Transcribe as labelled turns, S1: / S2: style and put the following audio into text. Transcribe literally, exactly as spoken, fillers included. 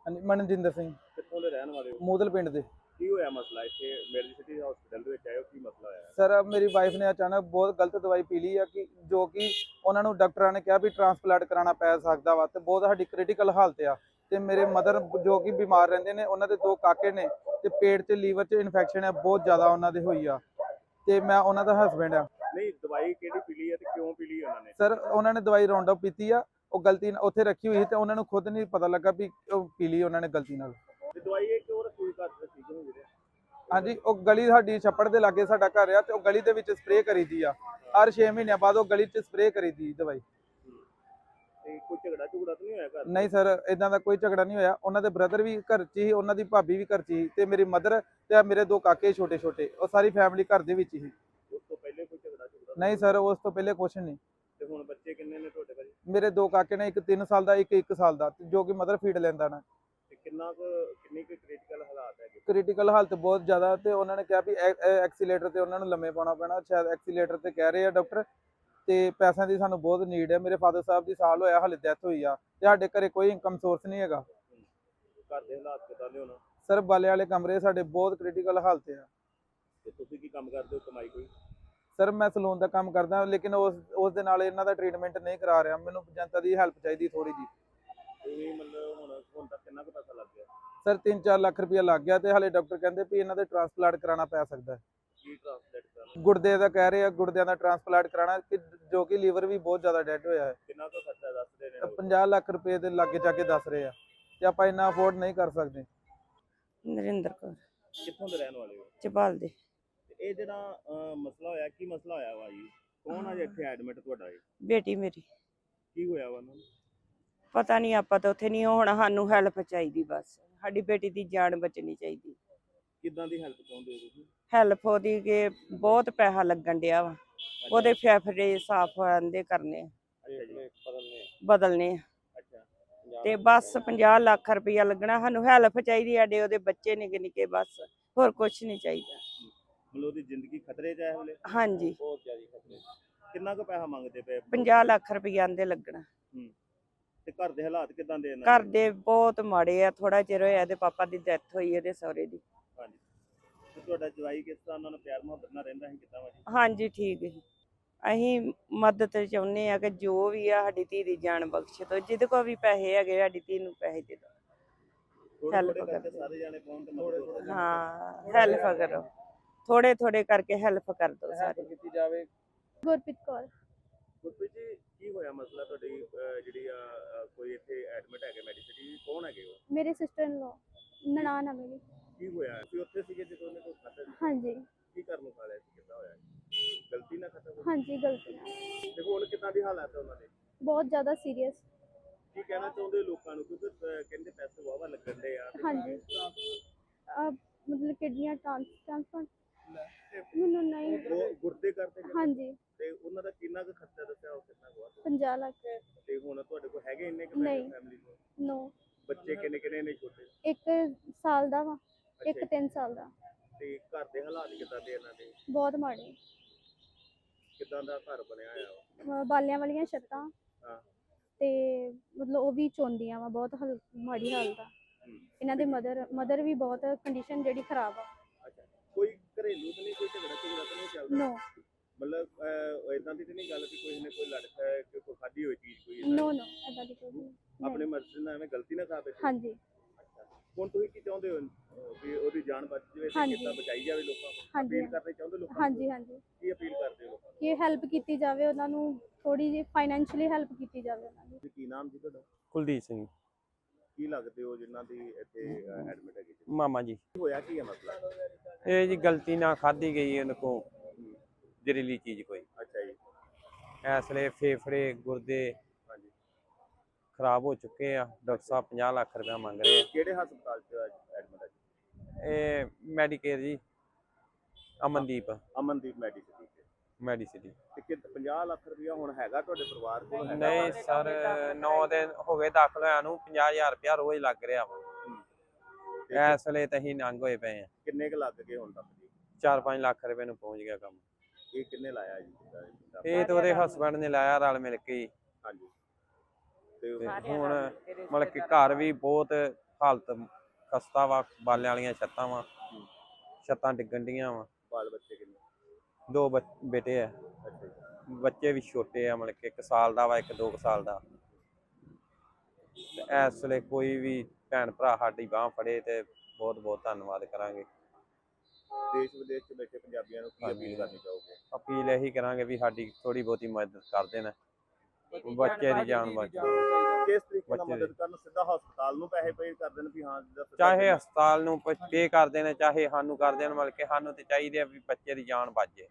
S1: ਹਾਂਜੀ, ਮਨਜਿੰਦਰ ਸਿੰਘ।
S2: ਕਿੱਥੋਂ ਦੇ ਰਹਿਣ ਵਾਲੇ ਹੋ?
S1: ਮੂਦਲ ਪਿੰਡ ਦੇ।
S2: ਕੀ ਹੋਇਆ ਮਸਲਾ ਇੱਥੇ ਮੈਡੀ ਸਿਟੀ ਹਸਪੀਟਲ ਦੇ ਵਿੱਚ ਆਏ ਹੋ, ਕੀ ਮਸਲਾ ਹੋਇਆ?
S1: ਸਰ ਮੇਰੀ ਵਾਈਫ ਨੇ ਅਚਾਨਕ ਬਹੁਤ ਗਲਤ ਦਵਾਈ ਪੀ ਲਈ ਆ ਕਿ ਜੋ ਕਿ ਉਹਨਾਂ ਨੂੰ ਡਾਕਟਰਾਂ ਨੇ ਕਿਹਾ ਵੀ ਟ੍ਰਾਂਸਪਲਾਂਟ ਕਰਾਉਣਾ ਪੈ ਸਕਦਾ ਵਾ ਤੇ ਬਹੁਤ ਸਾਡੀ ਕ੍ਰਿਟੀਕਲ ਹਾਲਤ ਆ। ਤੇ ਮੇਰੇ ਮਦਰ ਜੋ ਕਿ ਬਿਮਾਰ ਰਹਿੰਦੇ ਨੇ, ਉਹਨਾਂ ਦੇ ਦੋ ਕਾਕੇ ਨੇ ਤੇ ਪੇਟ 'ਚ ਲੀਵਰ 'ਚ ਇਨਫੈਕਸ਼ਨ ਆ ਬਹੁਤ ਜ਼ਿਆਦਾ ਉਹਨਾਂ ਦੇ ਹੋਈ ਆ ਤੇ ਮੈਂ ਉਹਨਾਂ ਦਾ ਹਸਬੈਂਡ ਆ।
S2: ਨਹੀਂ, ਦਵਾਈ ਕਿਹੜੀ ਪੀ ਲਈ ਹੈ ਤੇ ਕਿਉਂ ਪੀ ਲਈ ਉਹਨਾਂ ਨੇ?
S1: ਸਰ ਉਹਨਾਂ ਨੇ ਦਵਾਈ ਰਾਉਂਡ ਅਪ ਪੀਤੀ ਆ, ਉਹ ਗਲਤੀ ਨਾਲ ਉੱਥੇ ਰੱਖੀ ਹੋਈ ਸੀ ਤੇ ਉਹਨਾਂ ਨੂੰ ਖੁਦ ਨਹੀਂ ਪਤਾ ਲੱਗਾ ਵੀ ਉਹ ਪੀ ਲਈ ਉਹਨਾਂ ਨੇ ਗਲਤੀ ਨਾਲ।
S2: ਤੇ ਦਵਾਈ ਇਹ ਕਿਉਂ ਰੱਖੀ ਘਰ ਤੇ ਠੀਕ ਹੋ ਵੀਰੇ?
S1: ਹਾਂਜੀ, ਉਹ ਗਲੀ ਸਾਡੀ ਛੱਪੜ ਦੇ ਲਾਗੇ ਸਾਡਾ ਘਰ ਆ ਤੇ ਉਹ ਗਲੀ ਦੇ ਵਿੱਚ ਸਪਰੇਅ ਕਰੀਦੀ ਆ। ਹਰ ਛੇ ਮਹੀਨਿਆਂ ਬਾਅਦ ਉਹ ਗਲੀ 'ਚ ਸਪਰੇਅ ਕਰੀਦੀ ਦਵਾਈ।
S2: ਤੇ ਕੋਈ ਝਗੜਾ ਝੁਗੜਾ ਤਾਂ ਨਹੀਂ ਹੋਇਆ ਘਰ?
S1: ਨਹੀਂ ਸਰ, ਇਦਾਂ ਦਾ ਕੋਈ ਝਗੜਾ ਨਹੀਂ ਹੋਇਆ। ਉਹਨਾਂ ਦੇ ਬ੍ਰਦਰ ਵੀ ਘਰ 'ਚ ਹੀ, ਉਹਨਾਂ ਦੀ ਭਾਬੀ ਵੀ ਘਰ 'ਚ ਹੀ ਤੇ ਮੇਰੀ ਮਦਰ ਤੇ ਮੇਰੇ ਦੋ ਕਾਕੇ ਛੋਟੇ ਛੋਟੇ, ਉਹ ਸਾਰੀ ਫੈਮਿਲੀ ਘਰ ਦੇ ਵਿੱਚ ਹੀ।
S2: ਉਸ ਤੋਂ ਪਹਿਲੇ ਕੋਈ ਝਗੜਾ ਝੁਗੜਾ?
S1: ਨਹੀਂ ਸਰ, ਉਸ ਤੋਂ ਪਹਿਲੇ ਕੁਛ ਨਹੀਂ।
S2: ਤੇ ਹੁਣ ਬੱਚੇ ਕਿੰਨੇ ਨੇ ਤੁਹਾਡੇ ਭਾਜੀ?
S1: ਮੇਰੇ ਦੋ ਕਾਕੇ ਨੇ, ਇੱਕ ਤਿੰਨ ਸਾਲ ਦਾ, ਇੱਕ ਇੱਕ ਸਾਲ ਦਾ, ਜੋ ਕਿ ਮਦਰ ਫੀਡ ਲੈਂਦਾ ਨਾ।
S2: ਤੇ ਕਿੰਨਾ ਕੁ ਕਿੰਨੀ ਕੁ ਕ੍ਰਿਟੀਕਲ ਹਾਲਾਤ ਹੈਗੇ?
S1: ਕ੍ਰਿਟੀਕਲ ਹਾਲਤ ਬਹੁਤ ਜ਼ਿਆਦਾ ਤੇ ਉਹਨਾਂ ਨੇ ਕਿਹਾ ਵੀ ਐਕਸੀਲੇਟਰ ਤੇ ਉਹਨਾਂ ਨੂੰ ਲੰਮੇ ਪਾਉਣਾ ਪੈਣਾ, ਸ਼ਾਇਦ ਐਕਸੀਲੇਟਰ ਤੇ ਕਹਿ ਰਹੇ ਆ ਡਾਕਟਰ। ਤੇ ਪੈਸਿਆਂ ਦੀ ਸਾਨੂੰ ਬਹੁਤ ਨੀਡ ਹੈ। ਮੇਰੇ ਫਾਦਰ ਸਾਹਿਬ ਦੀ ਸਾਲ ਹੋਇਆ ਹਾਲੇ ਡੈਥ ਹੋਈ ਆ ਤੇ ਸਾਡੇ ਘਰੇ ਕੋਈ ਇਨਕਮ ਸੋਰਸ ਨਹੀਂ ਹੈਗਾ।
S2: ਘਰ ਦੇ ਹਾਲਾਤ ਕਿਦਾਂ ਦੇ ਹੋਣਾ?
S1: ਸਰ ਬਾਲੇ ਵਾਲੇ ਕਮਰੇ ਸਾਡੇ ਬਹੁਤ ਕ੍ਰਿਟੀਕਲ ਹਾਲਤ ਆ।
S2: ਤੇ ਤੁਸੀਂ ਕੀ ਕੰਮ ਕਰਦੇ ਹੋ, ਕਮਾਈ ਕੋਈ?
S1: ਸਰ ਮੈਂ ਸਲੂਨ ਦਾ ਕੰਮ ਕਰਦਾ, ਲੇਕਿਨ ਉਸ ਉਸ ਦੇ ਨਾਲ ਇਹਨਾਂ ਦਾ ਟ੍ਰੀਟਮੈਂਟ ਨਹੀਂ ਕਰਾ ਰਿਹਾ। ਮੈਨੂੰ ਜਨਤਾ ਦੀ ਹੈਲਪ ਚਾਹੀਦੀ ਥੋੜੀ ਜੀ।
S2: ਤੁਸੀਂ ਮਤਲਬ ਹੁਣ ਹੁਣ ਤੱਕ ਕਿੰਨਾ ਕੁ ਪੈਸਾ ਲੱਗ ਗਿਆ?
S1: ਸਰ ਤਿੰਨ ਚਾਰ ਲੱਖ ਰੁਪਇਆ ਲੱਗ ਗਿਆ ਤੇ ਹਾਲੇ ਡਾਕਟਰ ਕਹਿੰਦੇ ਵੀ ਇਹਨਾਂ ਦੇ ਟ੍ਰਾਂਸਪਲਾਂਟ ਕਰਾਉਣਾ ਪੈ ਸਕਦਾ ਹੈ।
S2: ਕੀ ਟ੍ਰਾਂਸਲੇਟ ਕਰਨਾ?
S1: ਗੁਰਦੇ ਦਾ ਕਹਿ ਰਹੇ ਆ, ਗੁਰਦਿਆਂ ਦਾ ਟ੍ਰਾਂਸਪਲਾਂਟ ਕਰਾਉਣਾ ਕਿ ਜੋ ਕਿ ਲੀਵਰ ਵੀ ਬਹੁਤ ਜ਼ਿਆਦਾ ਡੈਡ ਹੋਇਆ ਹੈ।
S2: ਕਿੰਨਾ ਕੁ ਖਰਚਾ ਦੱਸਦੇ ਨੇ?
S1: ਪੰਜਾਹ ਲੱਖ ਰੁਪਏ ਦੇ ਲਾਗੇ ਜਾ ਕੇ ਦੱਸ ਰਹੇ ਆ ਤੇ ਆਪਾਂ ਇੰਨਾ ਅਫੋਰਡ ਨਹੀਂ ਕਰ ਸਕਦੇ।
S3: ਨਰਿੰਦਰ ਕੌਰ,
S2: ਕਿੱਥੋਂ ਦੇ ਰਹਿਣ ਵਾਲੇ ਹੋ?
S3: ਚਪਾਲ ਦੇ।
S2: ਤੇ ਇਹ ਜਿਹੜਾ ਅਹ, ਮਸਲਾ ਹੋਇਆ, ਕੀ ਮਸਲਾ ਹੋਇਆ ਵਾ ਜੀ? ਕੌਣ ਆ ਜੀ ਇੱਥੇ ਐਡਮਿਟ ਤੁਹਾਡਾ? ਇਹ
S3: ਬੇਟੀ ਮੇਰੀ।
S2: ਕੀ ਹੋਇਆ ਵਾ ਉਹਨਾਂ ਨੂੰ?
S3: ਪਤਾ ਨਹੀਂ, ਆਪਾਂ ਤਾਂ ਉੱਥੇ ਨਹੀਂ ਹੋਣਾ, ਸਾਨੂੰ ਹੈਲਪ ਚਾਹੀਦੀ ਬਸ। ਸਾਡੀ ਬੇਟੀ ਦੀ ਜਾਨ ਬਚਣੀ ਚਾਹੀਦੀ।
S2: ਕਿੱਦਾਂ ਦੀ ਹੈਲਪ ਚਾਹੁੰਦੇ ਹੋ ਤੁਸੀਂ?
S3: ਹੈਲਪ ਉਹਦੀ ਕਿ ਬਹੁਤ ਪੈਸਾ ਲੱਗਣ ਡਿਆ ਵਾ, ਉਹਦੇ ਫੇਫੜੇ ਸਾਫ਼ ਆਂਦੇ ਕਰਨੇ ਆ,
S2: ਅੱਛਾ ਜੀ, ਬਦਲਨੇ?
S3: ਬਦਲਨੇ ਆ
S2: ਅੱਛਾ,
S3: ਤੇ ਬਸ ਪੰਜਾਹ ਲੱਖ ਰੁਪਇਆ ਲੱਗਣਾ। ਸਾਨੂੰ ਹੈਲਪ ਚਾਹੀਦੀ, ਸਾਡੇ ਉਹਦੇ ਬੱਚੇ ਨਿੱਕੇ ਨਿੱਕੇ, ਬਸ ਹੋਰ ਕੁਛ ਨਹੀਂ ਚਾਹੀਦਾ।
S2: ਮਤਲਬ ਉਹਦੀ ਜ਼ਿੰਦਗੀ ਖਤਰੇ 'ਚ ਹੈ ਹਲੇ?
S3: ਹਾਂਜੀ,
S2: ਬਹੁਤ ਜ਼ਿਆਦਾ ਖਤਰੇ 'ਚ। ਕਿੰਨਾ ਕੁ ਪੈਸਾ ਮੰਗਦੇ ਪਏ?
S3: ਪੰਜਾਹ ਲੱਖ ਰੁਪਇਆ ਆਂਦੇ ਲੱਗਣਾ।
S2: ਹੂੰ। ਤੇ ਘਰ ਦੇ ਹਾਲਾਤ ਕਿਦਾਂ ਦੇ ਇਹਨਾਂ
S3: ਘਰ ਦੇ ਬਹੁਤ ਮਾੜੇ ਆ। ਥੋੜਾ ਚਿਰ ਹੋਇਆ ਇਹਦੇ ਪਾਪਾ ਦੀ ਡੈਥ ਹੋਈ, ਇਹਦੇ ਸਹੁਰੇ ਦੀ।
S2: ਹਾਂਜੀ। ਤੇ ਤੁਹਾਡਾ ਜਵਾਈ ਕਿਸ ਤਰ੍ਹਾਂ ਉਹਨਾਂ ਨਾਲ ਪਿਆਰ ਮੁਹੱਬਤ ਨਾਲ ਰਹਿੰਦਾ ਸੀ, ਕਿੱਦਾਂ ਵਾ ਜੀ?
S3: ਹਾਂਜੀ ਠੀਕ ਹੈ। ਅਸੀਂ ਮਦਦ ਚਾਹੁੰਦੇ ਆ ਕਿ ਜੋ ਵੀ ਆ ਸਾਡੀ ਧੀ ਦੀ ਜਾਨ ਬਖਸ਼ ਦਿਓ। ਜਿਹਦੇ ਕੋਲ ਵੀ ਪੈਸੇ ਹੈਗੇ ਸਾਡੀ ਧੀ ਨੂੰ ਪੈਸੇ ਦੇ ਦਿਓ।
S2: ਥੋੜੇ
S3: ਹੈਲਪ
S2: ਥੋੜੇ ਕਰਕੇ
S3: ਕਰਦੇ।
S2: ਸਾਰੇ ਜਾਣੇ ਪਹੁੰਚ ਤੇ ਮਦਦ ਹੋ ਸਕਦੀ ਹੈ।
S3: ਹਾਂ ਹੈਲਪ ਕਰੋ, ਥੋੜੇ ਥੋੜੇ ਕਰਕੇ ਹੈਲਪ ਕਰ ਦਿਓ ਸਾਰੇ।
S1: ਕੀਤੀ ਜਾਵੇ।
S4: ਗੁਰਪ੍ਰੀਤ ਕੌਰ।
S2: ਗੁਰਪ੍ਰੀਤ ਜੀ, ਕੀ ਹੋਇਆ ਮਸਲਾ? ਤੁਹਾਡੀ ਅਹ, ਜਿਹੜੀ ਆ ਅਹ, ਕੋਈ ਇੱਥੇ ਐਡਮਿਟ ਹੈਗੇ ਮੈਡੀਸਿਟੀ, ਕੌਣ ਹੈਗੇ ਉਹ?
S4: ਮੇਰੇ ਸਿਸਟਰ ਇਨ ਲੋ, ਨਨਾਣ ਆ ਮੇਰੀ।
S2: ਕੀ ਹੋਇਆ? ਤੁਸੀਂ ਉੱਥੇ ਸੀਗੇ ਜਦੋਂ ਉਹਨੇ ਕੋਈ ਖਾਧਾ ਸੀ?
S4: ਹਾਂਜੀ
S2: ਕੀ ਕਰਨ ਨੂੰ ਖਾ ਲਿਆ ਸੀ? ਕਿੱਦਾਂ ਹੋਇਆ? ਗਲਤੀ ਨਾਲ ਖਾਧਾ ਕੋਈ?
S4: ਹਾਂਜੀ, ਗਲਤੀ ਨਾਲ।
S2: ਦੇਖੋ ਹੁਣ ਕਿੱਦਾਂ ਦੀ ਹਾਲਾਤ ਹੈ ਉਹਨਾਂ ਦੇ?
S4: ਬਹੁਤ ਜ਼ਿਆਦਾ ਸੀਰੀਅਸ।
S2: ਕੀ ਕਹਿਣਾ ਚਾਹੁੰਦੇ ਹੋ ਲੋਕਾਂ ਨੂੰ, ਕਿਉਂਕਿ ਅਹ, ਕਹਿੰਦੇ ਪੈਸੇ ਵਾਹਵਾ ਲੱਗਣ ਦੇ ਆ ਤੇ
S4: ਹਾਂਜੀ। ਅਹ ਮਤਲਬ ਕਿਡਨੀਆਂ ਟ੍ਰਾਂਸਪਲਾਂਟ ਮੈਨੂੰ ਨਹੀਂ।
S2: ਉਹ ਗੁਰਦੇ ਕਰਦੇ ਕਹਿੰਦੇ?
S4: ਹਾਂਜੀ,
S2: ਤੇ ਉਹਨਾਂ ਦਾ ਕਿੰਨਾ ਕੁ ਖਰਚਾ ਦੱਸਿਆ, ਉਹ ਕਿੰਨਾ ਕੁ ਆ?
S4: ਪੰਜਾਹ ਲੱਖ।
S2: ਤੇ ਹੁਣ ਤੁਹਾਡੇ ਕੋਲ ਹੈਗੇ ਇੰਨੇ ਕੁ
S4: ਨਹੀਂ।
S2: ਫੈਮਿਲੀ ਨੂੰ?
S4: ਨੋ।
S2: ਬੱਚੇ ਕਿੰਨੇ ਕਿੰਨੇ ਨੇ ਛੋਟੇ?
S4: ਇੱਕ ਸਾਲ ਦਾ ਵਾ, ਇੱਕ
S2: ਅੱਛਾ।
S4: ਤਿੰਨ ਸਾਲ ਦਾ।
S2: ਤੇ ਘਰ ਦੇ ਹਾਲਾਤ ਕਿੱਦਾਂ ਦੇ ਇਹਨਾਂ ਦੇ?
S4: ਬਹੁਤ ਮਾੜੇ।
S2: ਕਿੱਦਾਂ ਦਾ ਘਰ ਬਣਿਆ ਹੋਇਆ ਵਾ?
S4: ਅਹ ਬਾਲਿਆਂ ਵਾਲੀਆਂ ਛੱਤਾਂ
S2: ਹਾਂ।
S4: ਤੇ ਮਤਲਬ ਉਹ ਵੀ ਚੋਂਦੀਆਂ ਵਾ, ਬਹੁਤ ਹਲ ਮਾੜੀ ਹਾਲਤ ਆ।
S2: ਹੂੰ।
S4: ਇਹਨਾਂ ਦੇ ਮਦਰ ਮਦਰ ਵੀ ਬਹੁਤ ਕੰਡੀਸ਼ਨ ਜਿਹੜੀ ਖਰਾਬ ਆ।
S2: ਅੱਛਾ, ਕੋਈ ਘਰੇਲੂ ਤਾਂ ਨਹੀਂ, ਕੋਈ ਝਗੜਾ ਝਗੜਾ ਤਾਂ ਨਹੀਂ ਚੱਲਦਾ?
S4: ਨੋ
S2: ਮਤਲਬ ਇਦਾਂ ਦੀ ਤਾਂ ਨਹੀਂ ਗੱਲ ਕਿ ਕੋਈ ਨੇ ਕੋਈ ਲੜਕਾ ਹੈ ਕਿ ਕੋਈ ਖਾਧੀ ਹੋਈ ਚੀਜ਼ ਕੋਈ ਏਦਾਂ
S4: ਨੋ
S2: ਦੀ?
S4: ਨੋ ਏਦਾਂ ਦੀ ਕੋਈ ਨਹੀਂ।
S2: ਆਪਣੇ ਮਰਜ਼ੀ ਨਾਲ ਐਵੇਂ ਗਲਤੀ ਨਾ ਖਾ ਬੈਠੇ?
S4: ਹਾਂਜੀ।
S2: ਅੱਛਾ, ਹੁਣ ਤੁਸੀਂ ਕੀ ਚਾਹੁੰਦੇ ਹੋ ਅਹ, ਵੀ ਉਹਦੀ ਜਾਨ ਬਚ ਜਾਵੇ ਤੇ
S4: ਹਾਂਜੀ।
S2: ਕਿੱਦਾਂ ਬਚਾਈ ਜਾਵੇ ਲੋਕਾਂ ਨੂੰ?
S4: ਹਾਂਜੀ,
S2: ਅਪੀਲ ਕਰਨੀ ਚਾਹੁੰਦੇ ਲੋਕਾਂ ਨੂੰ?
S4: ਹਾਂਜੀ ਹਾਂਜੀ
S2: ਕੀ ਅਪੀਲ ਕਰਦੇ ਹੋ ਲੋਕਾਂ ਨੂੰ?
S4: ਕਿ ਹੈਲਪ ਕੀਤੀ ਜਾਵੇ ਉਹਨਾਂ ਨੂੰ, ਥੋੜੀ ਜਿਹੀ ਫਾਈਨੈਂਸ਼ੀਅਲੀ ਹੈਲਪ ਕੀਤੀ ਜਾਵੇ ਉਹਨਾਂ ਦੀ।
S2: ਜੀ, ਕੀ ਨਾਮ ਜੀ ਤੁਹਾਡਾ?
S5: ਕੁਲਦੀਪ ਸਿੰਘ
S2: ਕੀ ਲੱਗਦੇ ਹੋ ਜਿਨ੍ਹਾਂ ਦੀ ਇੱਥੇ ਐਡਮਿਟ ਹੈਗੀ ਜੀ?
S5: ਮਾਮਾ ਜੀ।
S2: ਹੋਇਆ ਕੀ ਹੈ ਮਸਲਾ?
S5: ਇਹ ਜੀ ਗਲਤੀ ਨਾਲ ਖਾਧੀ ਗਈ ਉਹਨਾਂ ਕੋ ਜ਼ਹਿਰੀਲੀ ਚੀਜ਼ ਕੋਈ।
S2: ਅੱਛਾ ਜੀ।
S5: ਇਸ ਲਈ ਫੇਫੜੇ ਗੁਰਦੇ
S2: ਹਾਂਜੀ।
S5: ਖਰਾਬ ਹੋ ਚੁੱਕੇ ਆ। ਡਾਕਟਰ ਸਾਹਿਬ ਪੰਜਾਹ ਲੱਖ ਰੁਪਇਆ ਮੰਗ ਰਹੇ ਆ।
S2: ਕਿਹੜੇ ਹਸਪਤਾਲ 'ਚ ਐਡਮਿਟ ਹੈ ਜੀ?
S5: ਇਹ ਮੈਡੀਕੇਅਰ ਜੀ, ਅਮਨਦੀਪ
S2: ਅਮਨਦੀਪ ਮੈਡੀਸਿਟੀ 'ਚ।
S5: ਮੈਡੀਸਿਟੀ।
S2: ਤੇ ਕਿ ਪੰਜਾਹ ਲੱਖ ਰੁਪਇਆ ਹੁਣ ਹੈਗਾ ਤੁਹਾਡੇ ਪਰਿਵਾਰ ਕੋਲ? ਹੈਗਾ
S5: ਨਹੀਂ
S2: ਵਾ?
S5: ਸਰ, ਨੌ ਦਿਨ ਹੋ ਗਏ ਦਾਖਲ ਹੋਇਆ ਨੂੰ, ਪੰਜਾਹ ਹਜ਼ਾਰ ਰੁਪਇਆ ਰੋਜ਼ ਲੱਗ ਰਿਹਾ ਵਾ।
S2: ਤੇ
S5: ਇਸ ਵੇਲੇ ਤਾਂ ਅਸੀਂ ਨੰਗ ਹੋਏ ਪਏ ਆ।
S2: ਕਿੰਨੇ ਕੁ ਲੱਗ ਗਏ ਹੁਣ ਤੱਕ ਜੀ?
S5: ਚਾਰ ਪੰਜ ਲੱਖ ਰੁਪਏ ਨੂੰ ਪਹੁੰਚ ਗਿਆ ਕੰਮ।
S2: ਇਹ ਕਿੰਨੇ ਲਾਇਆ ਜੀ?
S5: ਇਹ ਤਾਂ ਉਹਦੇ ਹਸਬੈਂਡ ਨੇ ਲਾਇਆ ਰਲ ਮਿਲ ਕੇ ਹੀ।
S2: ਹਾਂਜੀ। ਤੇ
S5: ਤੇ ਹੁਣ ਮਤਲਬ ਕਿ ਘਰ ਵੀ ਬਹੁਤ ਹਾਲਤ ਖਸਤਾ ਵਾ, ਬਾਲਿਆਂ ਵਾਲੀਆਂ ਛੱਤਾਂ ਵਾ, ਛੱਤਾਂ ਡਿੱਗਣ ਡੀਆਂ ਵਾ।
S2: ਬਾਲ ਬੱਚੇ ਕਿੰਨੇ?
S5: ਦੋ ਬੱਚ- ਬੇਟੇ ਆ,
S2: ਅੱਛਾ ਜੀ।
S5: ਬੱਚੇ ਵੀ ਛੋਟੇ ਆ, ਮਤਲਬ ਕਿ ਇੱਕ ਸਾਲ ਦਾ ਵਾ, ਇੱਕ ਦੋ ਕੁ ਸਾਲ ਦਾ। ਤੇ ਇਸ ਵੇਲੇ ਕੋਈ ਵੀ ਭੈਣ ਭਰਾ ਸਾਡੀ ਬਾਂਹ ਫੜੇ ਤੇ ਬਹੁਤ ਬਹੁਤ ਧੰਨਵਾਦ ਕਰਾਂਗੇ।
S2: ਦੇਸ਼ ਵਿਦੇਸ਼ ਚ ਬੈਠੇ ਪੰਜਾਬੀਆਂ ਨੂੰ ਕੀ ਅਪੀਲ ਕਰਨੀ ਚਾਹੋਗੇ?
S5: ਅਪੀਲ ਇਹੀ ਕਰਾਂਗੇ ਵੀ ਸਾਡੀ ਥੋੜੀ ਬਹੁਤੀ ਮਦਦ ਕਰ ਦੇਣ, ਬੱਚੇ ਦੀ ਜਾਨ ਬਚ
S2: ਕਿਸ ਤਰੀਕੇ ਨਾਲ
S5: ਬੱਚੇ
S2: ਮਦਦ ਕਰਨ? ਸਿੱਧਾ ਹਸਪਤਾਲ ਨੂੰ ਪੈਸੇ ਪੇ ਕਰ ਦੇਣ ਵੀ ਹਾਂ ਜਿੱਦਾਂ ਸਿੱਧਾ
S5: ਚਾਹੇ
S2: ਜਿੰਨਾ-
S5: ਹਸਪਤਾਲ ਨੂੰ ਪੇ ਕਰ ਦੇਣ, ਚਾਹੇ ਸਾਨੂੰ ਕਰ ਦੇਣ, ਮਤਲਬ ਕਿ ਸਾਨੂੰ ਤੇ ਚਾਹੀਦੇ ਆ ਵੀ ਬੱਚੇ ਦੀ ਜਾਨ ਬਚ ਜੇ।